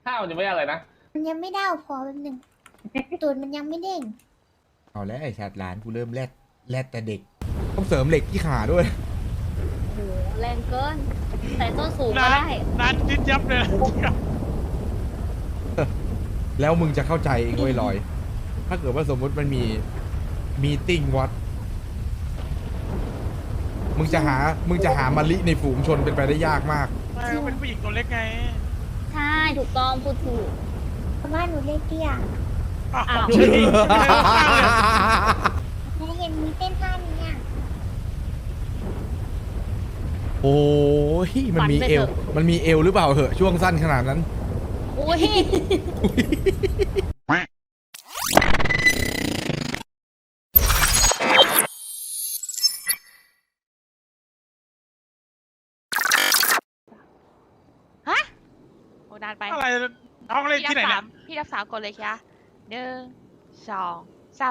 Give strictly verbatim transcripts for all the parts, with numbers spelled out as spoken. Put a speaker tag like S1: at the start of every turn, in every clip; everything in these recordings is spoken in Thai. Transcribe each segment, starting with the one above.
S1: ข้าวยังไม่อะไรนะ
S2: มันยังไม่ได้พอแป๊บหนึงตูดมันยังไม่เด้ง
S3: เอาแล้วไอ้ชาติหลานกูเริ่มแรดแรดแต่เด็กต้องเสริมเหล็กที่ขาด้วย
S4: โหแรงเกินใส่ส้นสูงก็
S5: ร้าน
S4: ได้
S5: ร้านยิบยับเลย
S3: แล้วมึงจะเข้าใจเองเว้ยลอย ถ้าเกิดว่าสมมุติมันมีมีติ้งวัด มึงจะหา มึงจะหามะลิในฝูงชนเป็นไปได้ยากมาก
S5: ไม่ก็เป็นผู้หญิงตัวเล็กไง
S4: ใช่ถูกต้องพูดถูก
S2: เพราะว่าหนูเล็กเตี้ย
S5: อ้าว
S4: อ้าว
S5: เฉย
S2: หนูเห็นมีเต้นท่านี้อ่ะ
S3: โอ้ยมันมีเอว มันมีเอวหรือเปล่าเหอะช่วงสั้นขนาดนั้น
S4: อุ้ย
S6: ฮะโอ้นานไป
S5: อะไรน้องเล่นที่ไหน
S6: พี่
S5: เนี่
S6: รั
S5: ย
S6: บสามพี่รับสามกดเลยค่ะหนึ่งสองสาม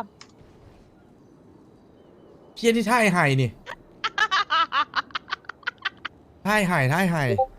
S3: เพี้ยนที่ท่ายไห่นี่ท่ายไห่ท่ายไห่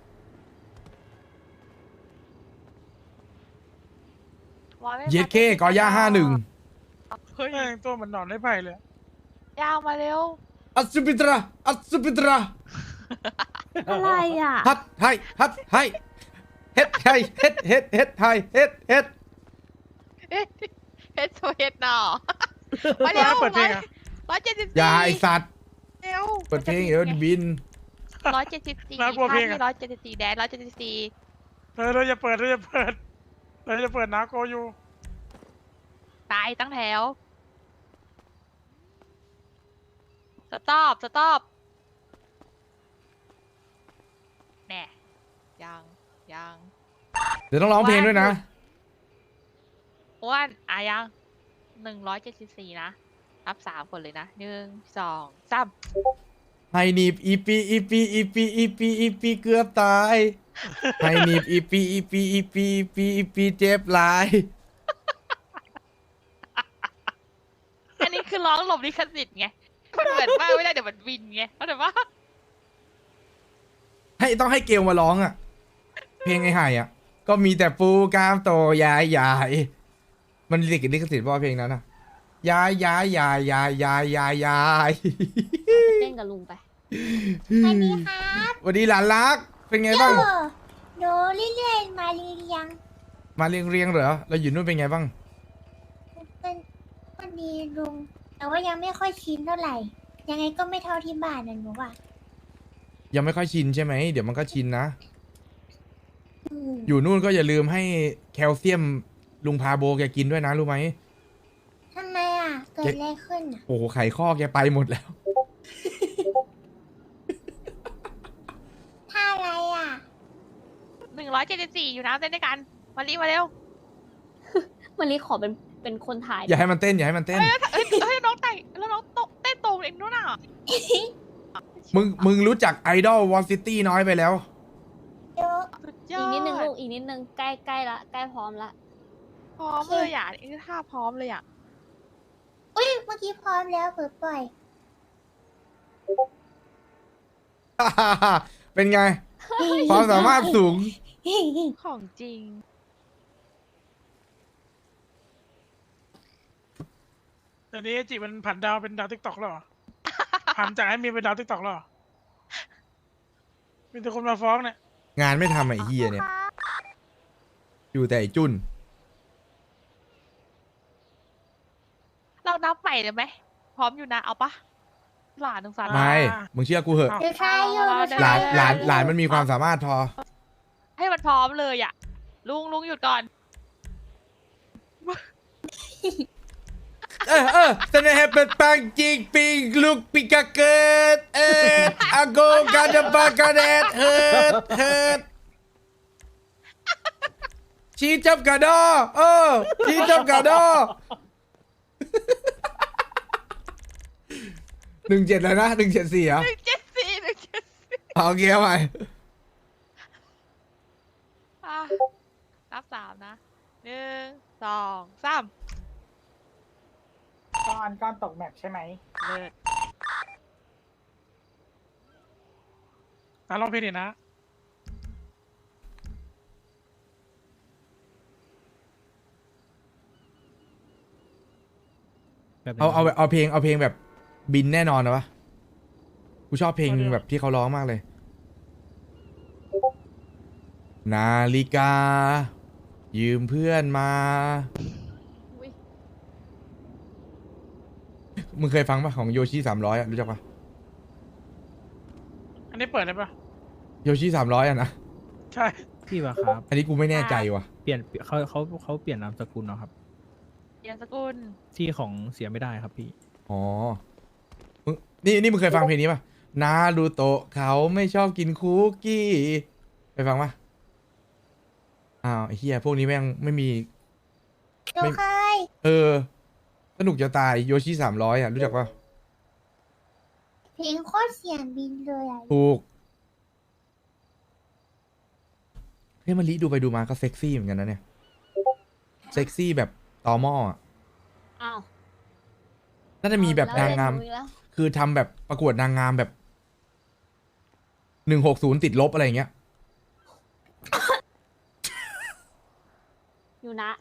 S3: เย็ดเค้กอย่าห้าหนึ่ง
S6: เฮ้ย
S5: แม่งตัวเหมือนหนอนไม้ไผ่เลย
S6: ยาวมาเร็ว
S3: อัศปิตราอัศปิตรา
S4: อะไรอ่ะ
S3: ฮัดไฮฮัดไฮเฮ็ดไฮเฮ็ดเฮ็ดเฮ็ดไฮเฮ็ดเฮ็ด
S6: เฮ็ดเฮ็ดโซเฮ็ดหนอมาเร็ว
S5: เปิดเพลงอะ
S6: ร้อยเจ็ดสิบ
S3: อย่า
S6: สี่
S3: ไอสัตว์
S6: เร็ว
S3: เปิดเพลงเดี๋ยวบิน
S6: ร้อยเจ็ดสิบสี่
S5: น่ากลัวเพลงอะ
S6: ร้อยเจ็ดสิบสี่แดนร้อยเจ็ดสิบสี่
S5: เออเราจะเปิดเราจะเปิดเราจะเปิดนาโกอยู่
S6: ตายตั้งแถวสต็อปสต็อปแน่ยังยัง
S3: เดี๋ยวต้องร้องเพลงด้วยนะ
S6: อ้วนอ่ะยังหนึ่งร้อยเจ็ดสิบสี่นะนับสามคนเลยนะหนึ่งสองสาม
S3: ไฮนีบอีปีอีปีอีปีอีปีอีปีเกือบตายไฮนีบอีปีอีปีอีปีอีปีอีปีเจ็บหลาย
S6: อันนี้คือร้องหลบลิขสิทธิ์ไงมันเหมือนมากไม่ได้เดี๋ยวมันวินไงเข้าใจปะ
S3: ให้ต้องให้เกลมาร้องอ่ะ เพลงไอ้ไห่อ่ะ ก็มีแต่ปูกามโตยายยายมันลิขลิขสิทธิ์ป่ะเพลงนั้นอ่ะยายยายยายยายยายยายยาย
S4: เต้นกับลุงไป
S2: สวัสดีครับ
S3: วันนี้หลานรัก เป็นไง
S2: โย
S3: บ้าง
S2: หนูเรื่อยๆมาเรียง
S3: มาเรียงเรียงเหรอเราอยู่นู่นเป็นไงบ้าง
S2: ๆเป็นก็ดีลุง แต่ว่ายังไม่ค่อยชินเท่าไหร่ ยังไงก็ไม่เท่าที่บ้านนะหนูว่า
S3: ยังไม่ค่อยชินใช่ไหมเดี๋ยวมันก็ชินนะ
S2: อืม
S3: อยู่นู่นก็อย่าลืมให้แคลเซียมลุงพาโบแกกินด้วยนะรู้ไหม
S2: ทำไมอ่ะ เกิดอะไรขึ้นอ่ะ
S3: โอ้โหไขข้อแกไปหมดแล้ว
S2: ท่าอะไรอ่ะ
S6: หนึ่งร้อยเจ็ดสิบสี่อยู่นะเต้นด้วยกันมารีมาเร็ว
S4: มันรีขอเป็นเป็นคนถ่าย
S3: อย่าให้มันเต้นอย่าให้มันเต้น
S6: เฮ้ยเฮ้ยเฮ้ยน้องแต่งแล้วน้องตกเต้นตรงเองนู้นน่ะ
S3: มึงมึงรู้จักไอดอลวอลซิตี้น้อยไปแล้ว
S2: เดี๋ยว
S6: สุดยอ
S4: อี
S6: ด
S4: กนิดนึงลูกอีกนิดนึงใกล้ใกล้ละใกล้พร้อมละ
S6: พร้อมเลยอ่ะนี่ท่าพร้อมเลยอ่ะ
S2: อุ้ยเมื่อกี้พร้อมแล้วเปิดปล่อย
S3: เป็นไง ความสามารถสูง
S6: ของจริง
S5: เดี๋ยวนี้จิมันผันดาวเป็นดาวทิกตอกแล้วเหรอ ผันจากให้มีเป็นดาวทิกตอกแล้วเหรอมีแต่คนมาฟ้องเนี่ย
S3: งานไม่ทำไอ้เฮียเนี่ย อยู่แต่ไอ้จุน
S6: เรานับใหม่เลยไหมพร้อมอยู่นะเอาปะหลานหนึ่งสาม
S3: ไม่ มึงเชื่อกูเหอะ
S2: เดี๋ยวทายอยู่
S3: หลานหลานหลานมันมีความสามารถพอ
S6: ให้มันพร้อมเลยอ่ะลุงลุงหยุดก่อน
S3: เออเออเสน่ห์เป็นปังจิงปิงลูกปิกาเกิดเอออาโกกาดปากาเดดเฮิดเฮิดชีจับกาดอเออชีจับกาดอหนึ่งเจ็ดเลยนะหนึ่งเจ็ดสี่เหรอ
S6: หนึ่งเจ็ดสี่หนึ่งเจ็ดสี่
S3: เอาโอเคเอาใหม่
S6: อ่ะนับสามนะหนึ่งสองสาม
S7: ก้อนก้อนตกแมปใช่ไหม
S6: เลิศ
S5: อ่ะลองเพลงดินะ
S1: แบบไหน
S3: เอาเอา
S1: ครับ
S3: เอาเพลงเอาเพลงแบบบินแน่นอนนะวะกูชอบเพลงแบบที่เขาร้องมากเลย นาฬิกา ยืมเพื่อนมา
S4: อุ๊ย
S3: มึงเคยฟังปะของโยชิสามร้อยอะรู้จักปะ
S5: อันนี้เปิดได้ปะ
S3: โยชิสามร้อยอะนะ
S5: ใช่
S1: พี่วะครับ
S3: อันนี้กูไม่แน่ใจว่ะ
S1: เปลี่ยนเขาเขาเขาเปลี่ยนนามสกุลเนาะครับ
S6: เรียนสกุล
S1: ที่ของเสียไม่ได้ครับพี่
S3: อ๋อมึงนี่นี่มึงเคยฟังเพลงนี้ปะนารูโตะเขาไม่ชอบกินคุกกี้ไปฟังปะอ้าวไอ้เฮียพวกนี้แม่งไม่มี
S2: หนูเคย
S3: เออ สนุกจะตายโยชิสามร้อยอ่ะ รู้จักปะ
S2: เพลงโคตรเสียงบินเลยอ่ะ
S3: ถูกเฮ้ยมาลิดูไปดูมาก็เซ็กซี่เหมือนกันนะเนี่ย เซ็กซี่แบบตอหม้ออะ
S4: อ้าว
S3: น่าจะมีแบบนางงาม
S4: เอแล้ว
S3: คือทำแบบประกวดนางงามแบบหนึ่งหกศูนย์ติดลบอะไรอย่างเงี้ย
S4: อยู่นะ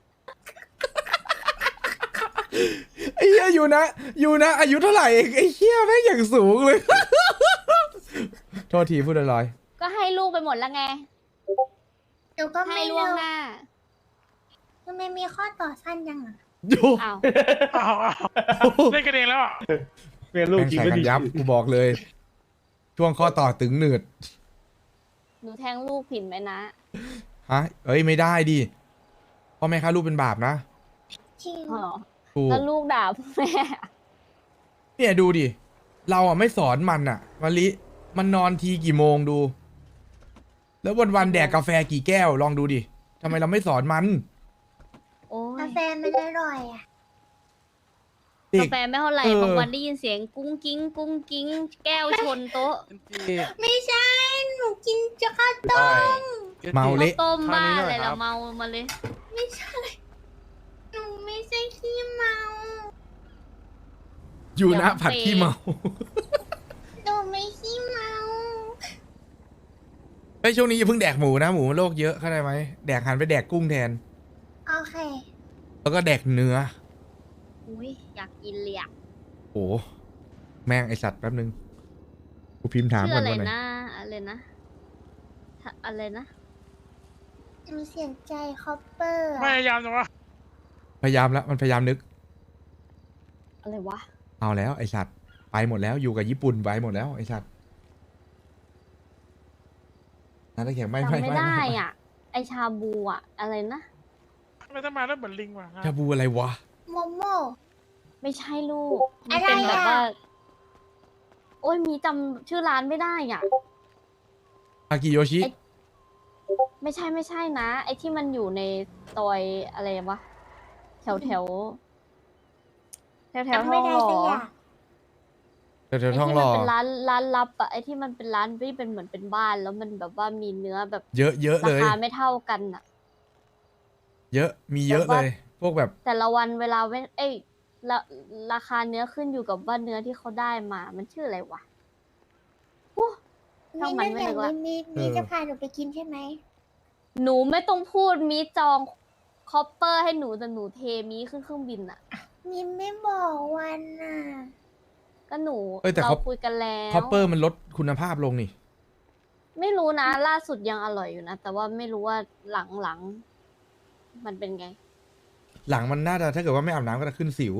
S3: ไอ้เหี้ยอยู่นะอยู่นะ อายุเท่าไหร่เองไอ้เหี้ยแม่งอย่างสูงเลย โทษทีพูดลอย
S4: ก็ให้ลูกไปหมดแล้วไง
S2: หนูก็
S4: ให้
S2: ไม่
S4: ล่วง
S2: รู้
S4: หน้า
S2: ทำไมมีข้อต่อสั้นจังอ่ะ
S3: ๆโย่
S4: อ้าว
S5: อ้าวอ้าวเล่นกันเองแล้วอ่ะ
S7: เป็นลูก
S3: แม่ง
S7: จริง
S3: ใส่
S7: ไม่
S3: กัน
S7: ดี
S3: ยับกูบอกเลย ช่วงข้อต่อตึงหนืด
S4: หนูแทงลูกผิดไหมนะ
S3: ฮะ เอ้ยไม่ได้ดิพ่อแม่ฆ่าลูกเป็นบาปนะ
S2: จริง
S4: อ๋อ
S3: ถูก
S4: แล้วลูกด่าพ่อแม่
S3: เนี่ยดูดิ เราอ่ะไม่สอนมันอ่ะมะลิ มันนอนทีกี่โมงดู แล้ววันวันๆแดกกาแฟกี่แก้วลองดูดิทำไมเราไม่สอนมัน
S4: โอ้
S2: กาย แฟมันอร่อยอ่ะ
S3: เด็
S4: กาก แฟไม่เท่าไหร่
S3: เออ
S4: บางวันได้ยินเสียงกุ้งกิ้ง กุ้งกิ้ง แก้วชนโต๊ะ
S2: ไม่ใช่ หนูกินจะข้าวต้ม
S3: เมาเละ
S4: ต้มบ้าอะไรละเมามาเลย
S2: ไม่ใช่ หนูไม่ใช่ขี้เมา
S3: อยู่นะ
S4: เดี๋ยว
S3: ผัด
S4: เปย์
S3: ขี้เมา
S2: หนูไม่ขี้เมา
S3: ไอ้ยช่วงนี้อย่าเพิ่งแดกหมูนะหมูมันโรคเยอะเข้าใจไหมแดกหันไปแดกกุ้งแทน
S2: โอเค
S3: แล้วก็แดกเนื้อ
S4: อุ้ยอยากกินเลยอะ
S3: โอ้แม่งไอสัตว์แป๊บนึงกูพิมพ์ถาม
S4: ชื่อ
S3: ก่อน
S4: อะไร
S3: ว่าไหน
S4: นะ อะไรนะถ้าอะไรนะ
S2: หนูเสียงใจคอปเปอร์
S5: พยายามจังวะ
S3: พยายามแล้วมันพยายามนึก
S4: อะไรวะ
S3: เอาแล้วไอสัตว์ไปหมดแล้วอยู่กับญี่ปุ่นไปหมดแล้วไอสัตว์นั่นแข็งไม่ไม่
S4: จำไม่
S3: ไม่
S4: ได้
S3: ไม่
S4: อ่ะ ไอชาบูอ่ะ อะไรนะ
S5: ไม่ต้องมาแล้วเหมือนลิงว่ะ
S3: ชาบูอะไรวะ
S2: โมโม
S4: ไม่ใช่ลูก มั
S2: อะ
S4: น
S2: ไร
S4: เป็นแบบ
S2: อะ
S4: ว่า โอ้ยมีจำชื่อร้านไม่ได้อ่ะ
S3: อากิโยชิ
S4: ไอ้ ไม่ใช่ไม่ใช่นะ ไอที่มันอยู่ในซอยอะไรวะ แถวแถวแถวแถว
S2: จำ
S4: ท
S2: ไม่
S4: อง
S2: ได้
S4: หล่อ
S2: สักอย่าง
S3: แถว
S4: ไอ
S3: ๆท้อง
S4: ที่
S3: ห
S4: มั
S3: ล่อ
S4: เป็นร้านร้านลับอะไอที่มันเป็นร้านที่เป็นเหมือนเป็นบ้าน แล้วมันแบบว่ามีเนื้อแบบ
S3: เยอะเยอะ
S4: รา
S3: เลย
S4: คาไม่เท่ากันอะ
S3: เยอะมีเยอะ
S4: แบบ
S3: เล
S4: ว่า
S3: ย พวกแบบ
S4: แต่ละวันเวลาเว้นเอ้ยราราคาเนื้อขึ้นอยู่กับว่าเนื้อที่เขาได้มา มันชื่ออะไรวะ ช่างมัน
S2: นั่น
S4: ไม่
S2: อ
S4: นึ
S2: ย่าง
S4: กละ
S2: นี้มีมีจะพาหนูไปกินใช่ไหม
S4: หนูไม่ต้องพูดมีจองคอปเปอร์ให้หนูแต่หนูเทมีขึ้นเครื่องบินอะ
S2: มีไม่บอกวันน่ะ
S4: ก็หนู
S3: เอ้ยแต่
S4: เรา
S3: เขา
S4: คุยกันแล้ว
S3: คอปเปอร์มันลดคุณภาพลงนี่
S4: ไม่รู้นะ ล่าสุดยังอร่อยอยู่นะ แต่ว่าไม่รู้ว่าหลังหลังๆมันเป็นไง
S3: หลังมันน่าจะถ้าเกิดว่าไม่อาบน้ำก็จะขึ้นสิว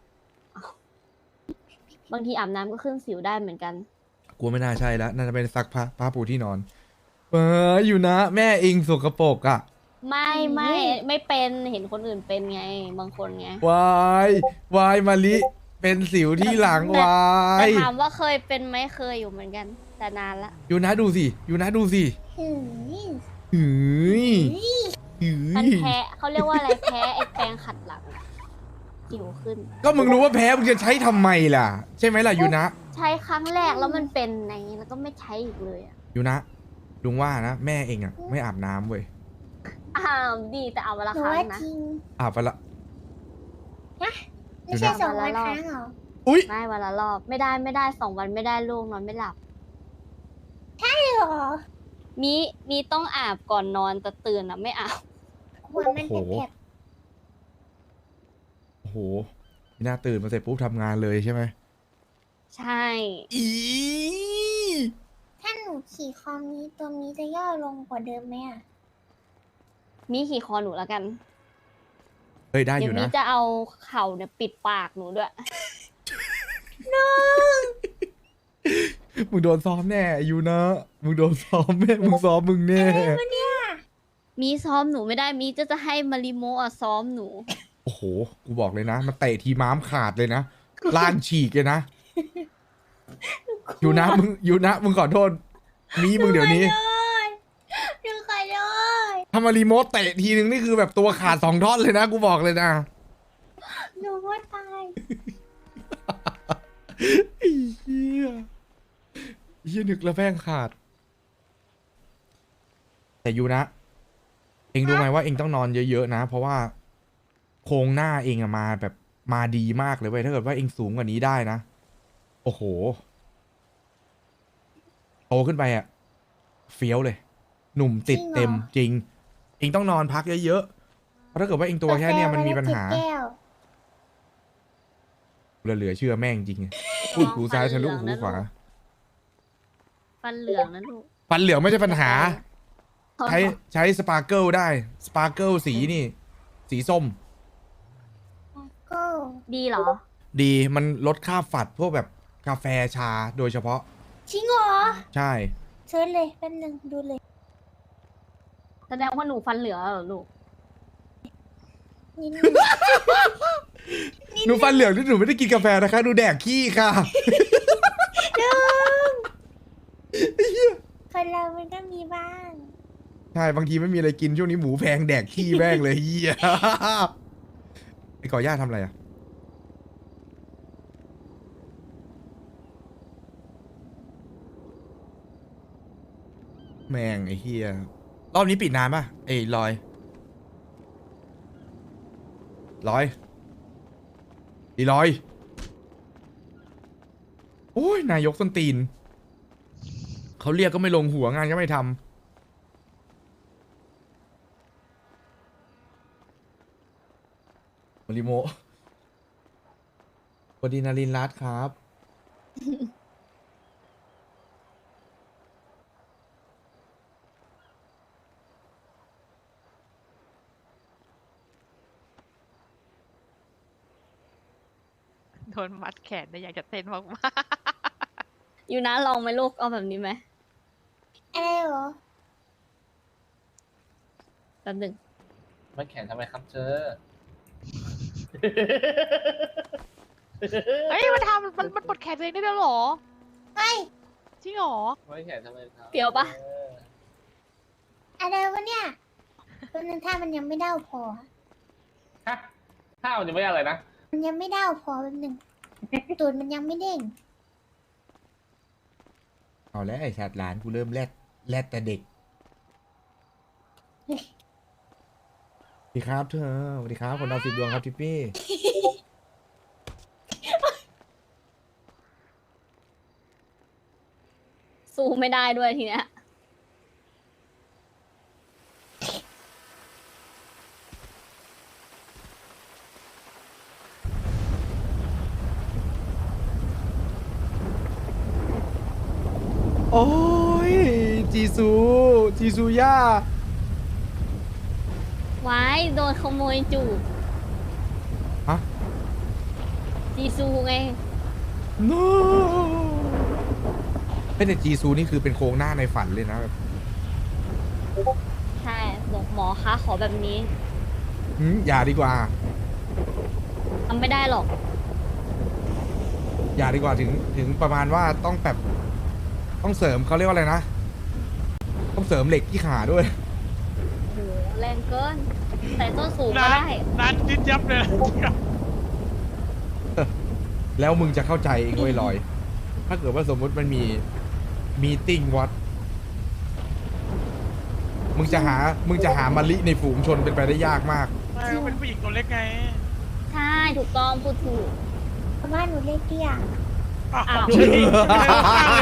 S4: บางทีอาบน้ำก็ขึ้นสิวได้เหมือนกัน
S3: กลัวไม่น่าใช่แล้วน่าจะเป็นซักผ้าผ้าปูที่นอนเอออยู่นะ แม่เองสกปรกอ่ะ
S4: ไม่ไม่ไม่เป็นเห็นคนอื่นเป็นไง บางคนไง
S3: วายวายมาลิเป็นสิวที่หลังวา
S4: แต่
S3: ย
S4: ถามว่าเคยเป็นไหมเคยอยู่เหมือนกัน แต่นานละ
S3: อยู่นะดูสิอยู่นะดูสิ
S2: หืม
S3: หืยหื
S4: มัน
S3: ย
S4: แพ้เขาเรียกว่าอะไรแพ้ไอ้แปรงขัดหลังอะสิวขึ้น
S3: ก็มึงรู้ว่าแพ้มึงจะใช้ทำไมล่ะ ใช่ไหมล่ะอยู่นะ
S4: ใช้ครั้งแรกแล้วมันเป็นไงแล้วก็ไม่ใช้อีกเลยอะ
S3: อยู่นะลุงว่านะแม่เองอ่ะไม่อาบน้ำเว้ย
S4: อ้าวดีแต่เอาเวลา
S2: หนู
S4: ครั้
S2: ว่าง
S4: นะ
S2: จริง
S3: อาบไปละ
S2: ไม่ใช่
S4: เดี๋ยวนะ
S2: สองวันครั้งเหรอ
S3: อุ้ย
S4: ไม่วันละรอบ ไม่ได้ไม่ได้สองวันไม่ได้ลูกนอนไม่หลับ
S2: ใช่เหรอ
S4: มีมีต้องอาบก่อนนอนแต่ตื่นอะไม่อาบ
S2: หัวมันแผลบ
S3: โอ้โหมีหน้าตื่นมาเสร็จปุ๊บทำงานเลยใช่ไหม
S4: ใช่
S3: อี
S2: ถ้าหนูขี่คอมนี้ตัวนี้จะย่อลงกว่าเดิมไหมอ่ะ
S4: มีขี่คอหนูแล้วกัน
S3: เฮ้ยได้อ
S4: เดี๋ยว
S3: ยู่
S4: มี
S3: นะ
S4: จะเอาเข่าเนี่ยปิดปากหนูด้วย
S3: มึงโดนซ้อมแน่อยู่นะมึงโดนซ้อมแน่มึงซ้อมมึงแน่
S4: มีซ้อมหนูไม่ได้ มีจะจะให้มาริโมะอะซ้อมหนู
S3: โอ้โหกูบอกเลยนะมันเตะทีม้ามขาดเลยนะล่างฉีกเลยนะอยู่นะมึงอยู่นะมึงขอโทษมีมึงเดี๋ยวนี้
S2: หนูขอโทษ
S3: ถ้ามารีโมทเตะทีนึงนี่คือแบบตัวขาดสองท่อนเลยนะกูบอกเลยนะ
S2: หนูว่าตาย
S3: ไอ้เหี้ยเหี้ยนึกแล้วแป้งขาด แต่อยู่นะ เองรู้ไหมว่าเองต้องนอนเยอะๆนะ เพราะว่าโครงหน้าเองอะมาแบบมาดีมากเลยเว้ยถ้าเกิดว่าเองสูงกว่านี้ได้นะ โอ้โห โตขึ้นไปอะเฟี้ยวเลย หนุ่มติดเต็มจริง เองต้องนอนพักเยอะๆเพราะถ้าเกิดว่าเองตัวแค่เนี้ยมันมีปัญหา
S2: กาแฟวันละสิบแก้ว
S3: เหลือเชื่อแม่งจริงไงพูดหูซ้ายทะลุหูขวา
S4: ฟันเหลืองนะลูก
S3: ฟันเหลืองไม่ใช่ปัญหา ใช้ใช้สปาร์เกิลได้ สปาร์เกิลสีนี่ สีส้ม
S2: ก็
S4: ดีเหรอ
S3: ดีมันลดค่าฝัดพวกแบบกาแฟชาโดยเฉพาะ
S2: จริงเหรอ
S3: ใช่
S2: เชิญเลยแป๊บนึงดูเลย
S4: แสดงว่าหนูฟันเหลืองเหรอลูก
S2: นิดนึง
S3: หนูฟันเหลืองที่หนูไม่ได้กินกาแฟนะคะหนูแดกขี้ค่ะ
S2: คนเรามันก็มีบ้าง
S3: ใช่บางทีไม่มีอะไรกินช่วงนี้หมูแพงแดกขี้แม่งเลยเฮียไอ้ก่อย่าทำอะไรอ่ะแม่งไอ้เฮียรอบนี้ปิดนานป่ะไอ้ลอยลอยอีลอยโอ้ยนายกส้นตีนเขาเรียกก็ไม่ลงหัวงานก็ไม่ทำมาริโมะสวัสดีนารินรัตน์ครับ
S6: โดนมัดแขนแต่อยากจะเต้นมาก
S4: อยู่นะลองไหมลูก เอาแบบนี้ไหม
S2: อะไรเหรอ
S4: แป๊บหนึง
S7: ไม่แข่งทำไมครับเธอ
S6: ๆเฮ้ยมันทำมันมันปลดแขนตัวเองได้แล้วเหรอ
S2: เฮ้ย
S6: จริงเหรอ
S7: ไม่แข่งทำไมครับ
S4: เปรี้ยวปะ
S7: เออ
S2: อะไรวะเนี่ยแป๊บนึงถ้ามันยังไม่เด้าพอ
S7: ฮะข้าวยังไม่อะไรนะ
S2: มันยังไม่เด้าพอแป๊บนึง ตูดมันยังไม่เด้ง
S3: เอาแล้วไอ้ชาติหลานกูเริ่มแรดแรดแต่เด็กสวัสดีครับเธอสวัสดีครับคนดาวสิบดวงครับทิปปี้
S4: สู้ไม่ได้ด้วยทีเนี้ย
S3: โอ้ยจีซูจีซูย่า
S4: ไว้โดนขโมยจูบ
S3: ฮะ
S4: จีซูไง
S3: no เป็นแต่จีซูนี่คือเป็นโครงหน้าในฝันเลยนะแบบ
S4: ใช่บอกหมอคะขอแบบนี้
S3: หืมอย่าดีกว่า
S4: ทำไม่ได้หรอก
S3: อย่าดีกว่าถึงถึงประมาณว่าต้องแบบต้องเสริมเขาเรียกว่าอะไรนะ ต้องเสริมเหล็กที่ขาด้วย
S4: โห แรงเกิน ใส่ส้นสูงก็
S5: นาน
S4: ได้
S5: นานดิดยับเลยนะ
S3: แล้วมึงจะเข้าใจเองเว้ยลอย ถ้าเกิดว่าสมมุติมันมีมีติ้งวัด มึงจะหา มึงจะหามะลิในฝูงชนเป็นไปได้ยากมาก
S5: ไม่เขาเป็นผู้หญิงตัวเล็กไง
S4: ใช่ ถูกต้องพูดถูก
S2: เพราะว่าหนูเล็กเตี้ย
S5: อ้าว
S4: อ้าว
S5: ใช่ดิไม่ได้ข้างเลย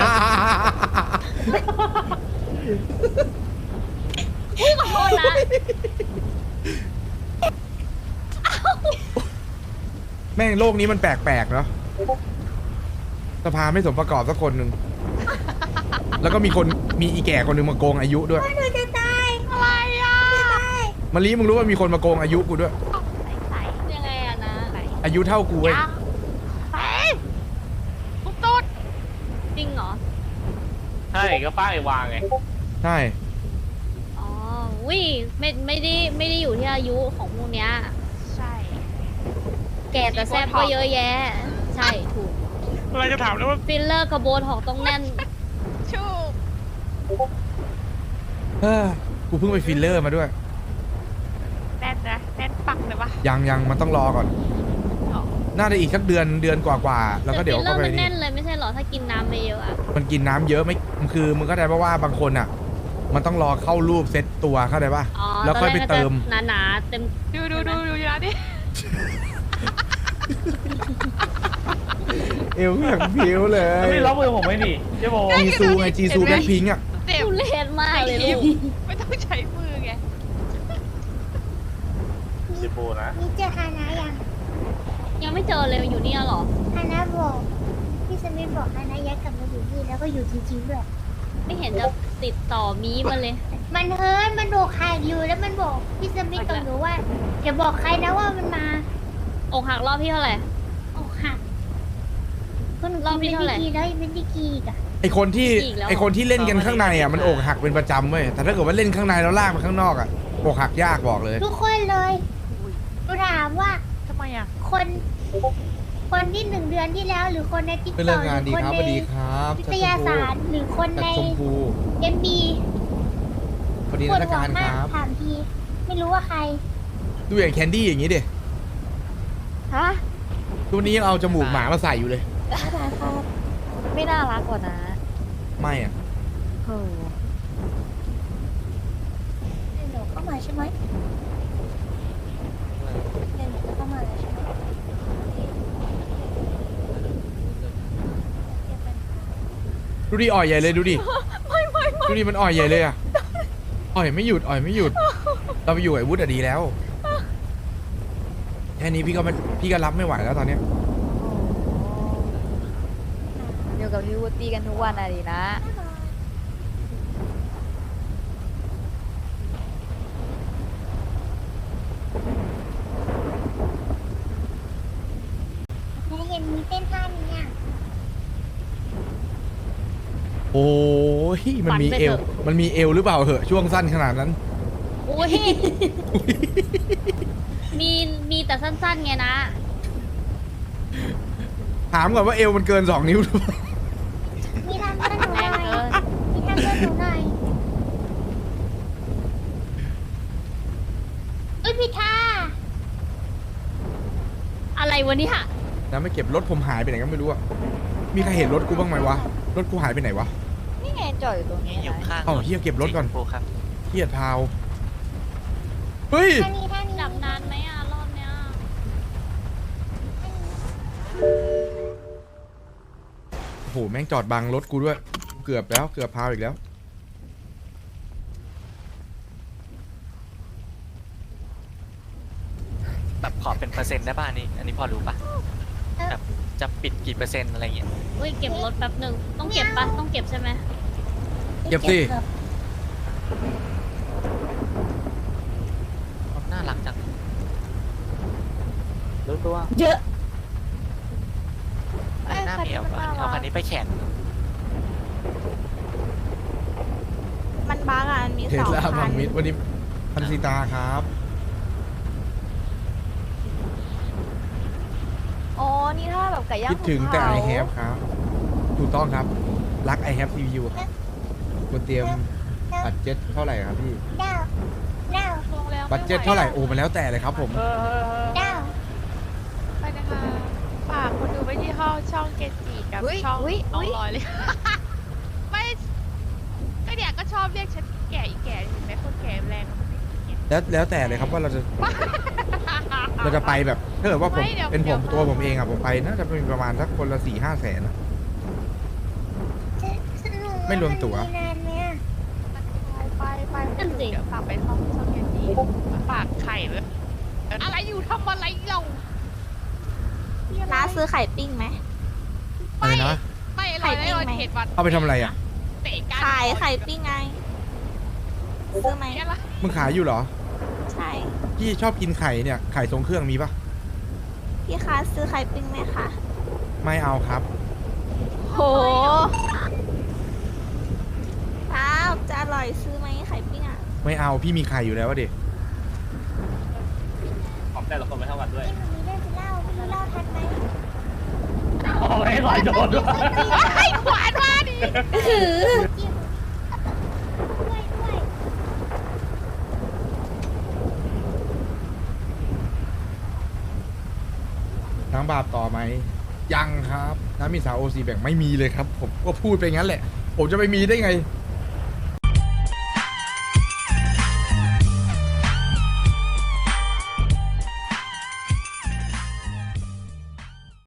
S4: อุ้ยขอโทษนะ
S3: แม่งโลกนี้มันแปลกๆเนาะสภาไม่สมประกอบสักคนหนึ่ง แล้วก็มีคนมีอีแก่คนหนึ่งมาโกงอายุด้วย
S2: หนูจะตาย
S6: อะไรอ่ะ
S3: มาลีมึงรู้ว่ามีคนมาโกงอายุกูด้วย
S6: ใส่
S4: ยังไงอะนะ
S6: ใส่
S3: อายุเท่ากูเว้ย
S6: ยังใส่ตุ๊ดตุ๊ด
S4: จริงเหรอ
S7: ใช่ก็ป้ายวางไง
S3: ใช่
S4: อ๋อวิไม่ไม่ได้ไม่ได้อยู่ที่อายุของพวกเนี้ย
S6: ใช่
S4: แก่แต่แซ่บก็เยอะแยะ ใช่ถูก
S5: อะไรจะถามเลยว่า
S4: ฟิลเลอร์กระโบนหอกต้องแน่น
S6: ชู
S3: เฮ้ยกูเพิ่งไปฟิลเลอร์มาด้วย
S6: แน่นนะแน่นปักเลยปะ
S3: ยังยังมันต้องรอก่อน
S6: อ๋อ
S3: น่าจะอีกสักเดือนเดือนกว่าๆแล้วก็เดี๋ยว
S4: ฟิลเลอ
S3: ก็
S4: ร์
S3: ไป
S4: มัน
S3: นี่
S4: แน่นเลยไม่ใช่เหรอถ้ากินน้ำไปเยอะอะ
S3: มันกินน้ำเยอะไม่คือมึงเข้าใจป่ะว่าบางคนอ่ะ มันต้องรอเข้ารูปเซตตัวเข้าใจป่ะ
S4: อ๋อ
S3: แล้วค่อยไป
S4: ตนแรก
S3: เติม
S4: ก็จะหนาๆเต็ม
S6: ดูดูดูดูอยู่นะดิ
S3: เอวอย่างผิวเล
S7: แล้ว
S3: ย
S7: ไม่ล็อกมือผมไม่ดิเจ๊โบ
S3: จีซูไงจีซูแบล็คพิงค์อ่ะ
S6: เจ็บ
S4: ทุเรศมากเลยลูก
S6: ไม่ต้องใช้มือไง
S7: เจ๊โบนะ
S2: นี่เจอฮานะยัง
S4: ยังไม่เจอเลยอยู่เนี่ยเหรอ
S2: ฮานะบอกพี่สมิธบอกฮานะย้ายกลับมาอยู่นี่แล้วก็อยู่จริงๆด้วย
S4: ไม่เห็นจะติดต่อมีมาเลย
S2: มันเฮิร์ตมันโดกขาดอยู่แล้วมันบอกพี่สมิธกับหนูว่าอย่าบอกใครนะว่ามันมา
S4: อกหักรอบที่เท่าไหร่
S2: โอ้หักก็หนู
S4: รอบที่
S2: กิน
S4: เท่าไหร่
S2: เป็นดีกีแล้วยังเป็นดีกีอีกอะ
S3: ไอคนที่
S4: อีกแล้ว
S3: ไอคนที่เล่นกันข้างในอ่ะมันอกหักเป็นประจำเว้ยแต่ถ้าเกิดว่าเล่นข้างในแล้วลากไปข้างนอกอ่ะอกหักยากบอกเลย
S2: ทุกคนเลยหนูถามว่า
S6: ทำไมอ่ะ
S2: คน คนที่หนึ่งเดือนที่แล้ว หรือคนในติ๊ก
S3: เป็น
S2: ต็
S3: เรื่
S2: อ
S3: อก ง
S2: ห
S3: งาน
S2: รือ
S3: ดี
S2: คน
S3: ครับ
S2: ใน
S3: สวัสดีครับ
S2: วิทยาศาสตร์หรือคน
S3: จาก
S2: ใน
S3: ชมพู
S2: เอ็มบี
S3: สวัสดี
S2: ปวด
S3: นัก
S2: หัว
S3: การ
S2: มา
S3: ค
S2: ก
S3: รับ
S2: ถามทีไม่รู้ว่าใคร
S3: ดูอย่างแคนดี้อย่างนี้ดิ
S4: ฮะ
S3: ตัวนี้ยังเอาจมูกหมามาใส่อยู่เลย
S4: ไม่น่ารักกว่านะ
S3: ไม่อ่ะ
S4: โอ้
S2: เดี๋ยวหนูเข้ามาใช่ไหมเดี๋ยวหนูจะเข้ามาแล้วใช่ไหม
S3: ดูดิอ่อยใหญ่เลยดูดิดูดิมันอ่อยใหญ่เลยอ่ะอ่อยไม่หยุดอ่อยไม่หยุด เราไปอยู่ไอ้วุฒิอะดีแล้วแค่นี้พี่ก็ไม่พี่ก็รับไม่ไหวแล้วตอนเนี้ย
S8: อยู่กับพี่วูดดี้กันทุกวันอะดีนะ
S2: หนูเห็นมีเต้นท่านี้อ่ะ
S3: โอ้ยมันมีเอวมันมีเอวหรือเปล่าเหอะช่วงสั้นขนาดนั้น
S4: โอ้ย มีมีแต่สั้นๆไงนะ
S3: ถามก่อนว่าเอวมันเกินสองนิ้วหรือเปล่า
S2: มีทำเพื่อนหนูห
S4: แร
S2: น่
S4: ง
S2: อย
S4: เกิน
S2: มีทำเพื่อนหนูหน่อยเอ้ยพี่ท่า
S4: อะไรวะเนี่ย
S3: นะไม่เก็บรถผมหายไปไหนก็ไม่รู้อะมีใครเห็นรถกูบ้างไหมวะรถกูหายไปไหนวะ
S8: นี่ไงจอดอยู่ตรงนี้
S9: อยู่
S8: นะ
S9: ข้าง
S3: เอ้าเฮียเก็บรถก่อน
S9: ปูครับ
S3: เฮียพาวเฮ้ย
S2: ท่านี้ท่านี้
S4: จับนานไหมอ่ะ รอบเนี้ย
S3: โอ้โหแม่งจอดบังรถกูด้วยเกือบแล้วเกือบพาวอีกแล้ว
S9: แบบขอเป็นเปอร์เซ็นต์ได้ป่ะอันนี้ อันนี้พอรู้ป่ะแบบจะปิดกี่เปอร์เซ็นต์อะไรเงี้ย
S4: เฮ้ย เก็บรถแป๊บหนึ่ง ต้องเก็บปะต้องเก็บใช่ไหม
S3: เก็บสิ
S9: น่ารักจัง
S7: รู้ตัว
S8: เยอะ
S9: อันหน้าเมียวป่ะเอาคันนี้ไปแข่ง
S8: มันบ้าอ่ะมันมี
S3: เท
S8: ส
S3: ส
S8: อง
S3: ลา
S8: คั
S3: พั
S8: น
S3: งมิดวันนี้พันซีตาครับ
S8: อ๋อ นี่ถ้าแบบไก่ย่าง
S3: คิดถึงแต่
S8: ภู
S3: I
S8: เขา
S3: have ครับ ถูกต้องครับ รัก I have ซี พี ยู ครับคุณเตรียมบัตเจ็ตเท่าไหร่ครับพี่
S2: ดาวดาว
S6: ลงแล้ว
S3: บัตเจ็ตเท่าไหร่โอ้มันแล้วแต่เลยครับผม
S7: เออ
S2: ดาว
S6: ไปนะคะฝากคนดูไปที่ห้องช่องเกจิกับ
S8: อุ๊ย
S6: ช่อง
S8: อุ๊ย
S6: น้อง
S8: อุ๊ย
S6: ลอยเลย ไม่ก็เนี่ยก็ชอบเรียกฉันแก่อีแก่เห็นไหมคนแก่แรงมันไม่แก่
S3: แล้วแล้วแต่เลยครับว่าเราจะเราจะไปแบบถ้าเกิดว่าผม
S6: ไม่เดี๋ยว
S3: เป็นผม
S6: เดี๋ยว
S3: ตัวผมเองอะผมไปน่าจะเป็นประมาณสักคนละสี่ห้าแสนนะ ไม่รวมตั๋ว
S2: นานไหมอะ
S6: ไปไป
S4: นั่นสิ
S6: เดี๋ยวฝากไปห้องช่องเกจิฝากไข่เลยอะไรอยู่ทำอะไรเรา
S8: น้าซื้อไข่ปิ้งไหม
S3: อะไรนะ
S6: ไม่อร่อยไม่อร่อยเผ็ดหวาน
S3: เอาไปทำอะไรอ่ะ
S6: เตะกัน
S8: ขายไข่ปิ้งไง ซื้อไหม
S6: เนี่ยละ
S3: มึงขายอยู่เหรอ
S8: ใช่
S3: พี่ชอบกินไข่เนี่ยไข่ทรงเครื่องมีปะ
S8: พี่คะซื้อไข่ปิ้งไหมคะ
S3: ไม่เอาครับ
S8: โหครับจะอร่อยซื้อไหมไข่ปิ้งอ่ะ
S3: ไม่เอาพี่มีไข่อยู่แล้วอะเด็ก
S7: ของแต่ละคนไม่เท่ากันด้วย
S2: ที่มันมีเรื่องจะเล่าไม่รู้เล่าทันไหม
S7: เอาไม่หลายโดนด้วย
S6: ไอ้หวานมาดิ
S2: จิ้มด้วยด้วย
S3: น้ำบาปต่อไหมยังครับน้ำมีสาวโอซีแบ่งไม่มีเลยครับ ผมก็พูดไปงั้นแหละ ผมจะไปมีได้ไง